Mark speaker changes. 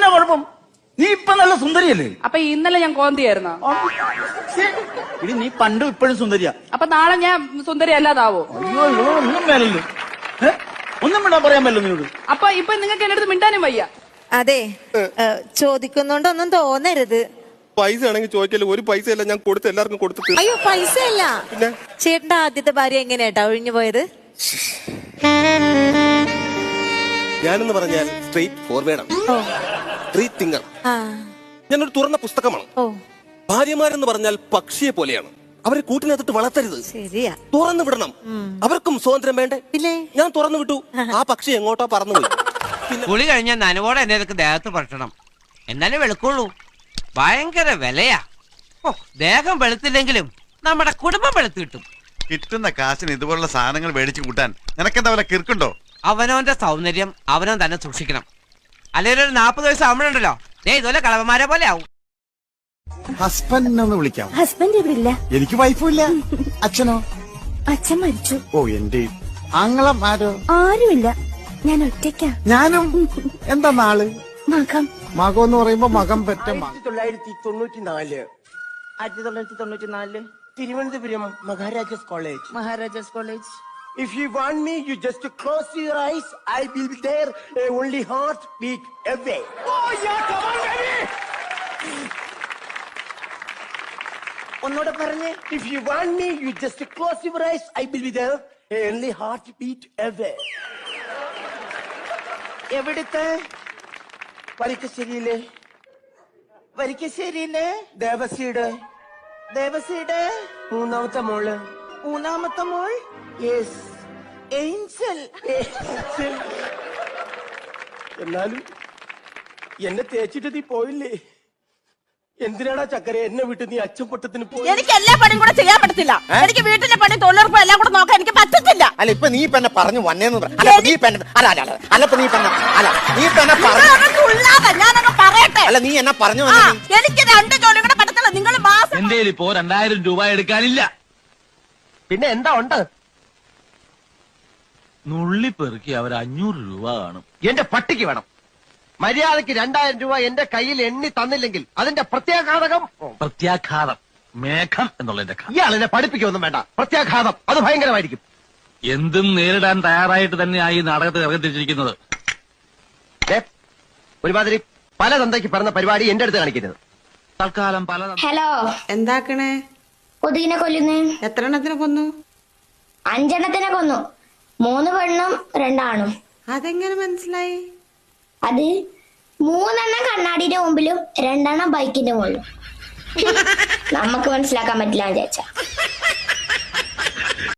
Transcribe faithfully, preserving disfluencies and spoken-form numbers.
Speaker 1: എന്നാ കുഴപ്പം? നീ ഇപ്പൊ നല്ല സുന്ദരിയല്ലേ?
Speaker 2: അപ്പൊ ഇന്നലെ ഞാൻ കോന്തിയായിരുന്നോ?
Speaker 1: ഇനി നീ പണ്ടും ഇപ്പോഴും സുന്ദരിയാ.
Speaker 2: അപ്പൊ നാളെ ഞാൻ സുന്ദരി അല്ലാതാവോ?
Speaker 1: അയ്യോ ഒന്നും വേണല്ലോ, ഒന്നും വിടാൻ പറയാൻ പറ്റില്ല നിന്നോട്.
Speaker 2: അപ്പൊ ഇപ്പൊ നിങ്ങൾക്ക് എന്റെ അടുത്ത് മിണ്ടാനും വയ്യ.
Speaker 3: അതെ, ചോദിക്കുന്നോണ്ടൊന്നും തോന്നരുത്.
Speaker 4: പൈസ ആണെങ്കിൽ ചോദിക്കല്ലോ, ഒരു പൈസ അല്ല ഞാൻ കൊടുത്ത് എല്ലാവർക്കും കൊടുത്തിട്ട്.
Speaker 3: അയ്യോ പൈസ അല്ല,
Speaker 4: പിന്നെ
Speaker 3: ചേട്ടന്റെ ആദ്യത്തെ ഭാര്യ എങ്ങനെയാട്ടാ ഒഴിഞ്ഞു പോയത്?
Speaker 4: ഞാനെന്ന് പറഞ്ഞാൽ സ്ട്രെയിറ്റ് ഫോർവേഡാണ്, സ്ട്രീറ്റ് തിങ്കർ. ഞാനൊരു തുറന്ന പുസ്തകമാണ്. ഭാര്യമാരെന്ന് പറഞ്ഞാൽ പക്ഷിയെ പോലെയാണ്, അവരെ കൂട്ടിനകത്തിട്ട് വളർത്തരുത്,
Speaker 3: ശരിയാ,
Speaker 4: തുറന്നു വിടണം. അവർക്കും സ്വാതന്ത്ര്യം വേണ്ടേ? ഞാൻ തുറന്നു വിട്ടു, ആ പക്ഷി എങ്ങോട്ടോ പറന്നുപോയി.
Speaker 5: കുളി കഴിഞ്ഞാൽ നനവോടെ എന്നെ ദേഹത്ത് പറ്റണം, എന്നാലേ വെളുക്കുള്ളൂ. ഭയങ്കര വിലയാ. ഓ, ദേഹം വെളുത്തില്ലെങ്കിലും നമ്മുടെ കുടുംബം വെളുത്തു കിട്ടും.
Speaker 6: കിട്ടുന്ന കാശിന് ഇതുപോലുള്ള സാധനങ്ങൾ മേടിച്ചു കൂട്ടാൻ നിനക്കെന്താ വല്ല കിർക്കുണ്ടോ?
Speaker 5: അവനവന്റെ സൗന്ദര്യം അവനവൻ തന്നെ സൂക്ഷിക്കണം. അല്ലെങ്കിൽ ഒരു നാപ്പത് വയസ്സ് ആവുമ്പോഴുണ്ടല്ലോ ദേ ഇതുപോലെ കളവന്മാരെ പോലെ ആവും.
Speaker 7: ഹസ്ബൻഡിനൊന്ന് വിളിക്കാം.
Speaker 8: ഹസ്ബൻഡ് ഇവിടെ ഇല്ല.
Speaker 7: എനിക്ക് വൈഫും ഇല്ല. അച്ഛനോ?
Speaker 8: അച്ഛൻ മരിച്ചു.
Speaker 7: ഓ എന്റെ ആങ്ങളും ആരോ?
Speaker 8: ആരുമില്ല, ഞാൻ ഒറ്റയ്ക്കാ.
Speaker 7: ഞാനും. എന്താ നാള്?
Speaker 8: മകം.
Speaker 7: മകം എന്ന് പറയുമ്പോ മകം പെറ്റ.
Speaker 9: ആയിരത്തി തൊള്ളായിരത്തി തൊണ്ണൂറ്റി നാല്
Speaker 2: ആയിരത്തി തൊള്ളായിരത്തി തൊണ്ണൂറ്റി നാലില്
Speaker 9: Thiruvananthapuram Maharajas college.
Speaker 2: Maharajas college.
Speaker 9: If you want me, you just close your eyes. I will be there, uh, only heart beat away. Oh yeah, come on, baby. ഒന്നോടെ പറഞ്ഞേ. If you want me, you just close your eyes. I will be there, uh, only heart beat away. എവിടുത്തെ? വരിക്കശ്ശേരിയിലെ. വരിക്കശ്ശേരിയിലെ ദേവസിയുടെ. ദേവസിയുടെ മൂന്നാമത്തെ മോള്. മൂന്നാമത്തെ മോൾ? Yes, Angel. എന്നാലും എന്നെ തേച്ചിട്ട് നീ പോയില്ലേ? എന്തിനാടാ ചക്കര എന്നെ വിട്ട് നീ അച്ഛൻ പൊട്ടത്തിന് പോയി?
Speaker 2: എനിക്ക് എല്ലാ പണിയും കൂടെ ചെയ്യാൻ പറ്റത്തില്ല. എനിക്ക് വീട്ടിലെ പണി തൊഴിലുറപ്പ് എല്ലാം കൂടെ നോക്കാൻ എനിക്ക് പറ്റത്തില്ല.
Speaker 1: അല്ല ഇപ്പൊ നീ പെണ്ണെ പറഞ്ഞു വന്നേന്ന് പറ. അല്ല നീ പെണ്ണ അല്ല അല്ല അല്ല അല്ല ഇപ്പൊ നീ പെണ്ണ അല്ല നീ പെണ്ണെ പറഞ്ഞു.
Speaker 2: ഞാനങ്ങ് പറയട്ടെ.
Speaker 1: അല്ല നീ എന്നാ പറഞ്ഞു?
Speaker 2: എനിക്ക് രണ്ട് ജോലി കൂടെ പറ്റത്തില്ല. നിങ്ങൾ മാസം
Speaker 10: എന്റെ ഇപ്പോ രണ്ടായിരം രൂപ എടുക്കാനില്ല.
Speaker 9: പിന്നെ എന്താ ഉണ്ട്?
Speaker 10: നുള്ളി പെറുക്കി അവർ അഞ്ഞൂറ് രൂപ കാണും.
Speaker 9: എന്റെ പട്ടിക്ക് വേണം. മര്യാദക്ക് രണ്ടായിരം രൂപ എന്റെ കയ്യിൽ എണ്ണി തന്നില്ലെങ്കിൽ അതിന്റെ പ്രത്യാഘാതകം.
Speaker 10: പ്രത്യാഘാതം മേഘം എന്നുള്ളതിന്റെ
Speaker 9: ഇയാൾ എന്നെ പഠിപ്പിക്കൊന്നും വേണ്ട. പ്രത്യാഘാതം അത് ഭയങ്കരമായിരിക്കും.
Speaker 10: എന്തും നേരിടാൻ തയ്യാറായിട്ട് തന്നെയായി നാടകത്തിൽ ഇറങ്ങിത്തിരിച്ചിരിക്കുന്നത്.
Speaker 9: ഒരുമാതിരി പല തന്തയ്ക്ക് പറഞ്ഞ പരിപാടി എന്റെ അടുത്ത് കാണിക്കരുത്.
Speaker 10: തൽക്കാലം പല.
Speaker 8: ഹലോ,
Speaker 3: എന്താക്കണേ?
Speaker 8: കൊതുകിനെ കൊല്ലുന്നേ.
Speaker 3: എത്ര എണ്ണത്തിനെ കൊന്നു?
Speaker 8: അഞ്ചെണ്ണത്തിനെ കൊന്നു. മൂന്ന് പെണ്ണും രണ്ടാണും.
Speaker 3: അതെങ്ങനെ മനസ്സിലായി?
Speaker 8: അത് മൂന്നെണ്ണം കണ്ണാടിന്റെ മുമ്പിലും രണ്ടെണ്ണം ബൈക്കിന്റെ മുകളിലും. നമുക്ക് മനസ്സിലാക്കാൻ പറ്റില്ല വിചാരിച്ച.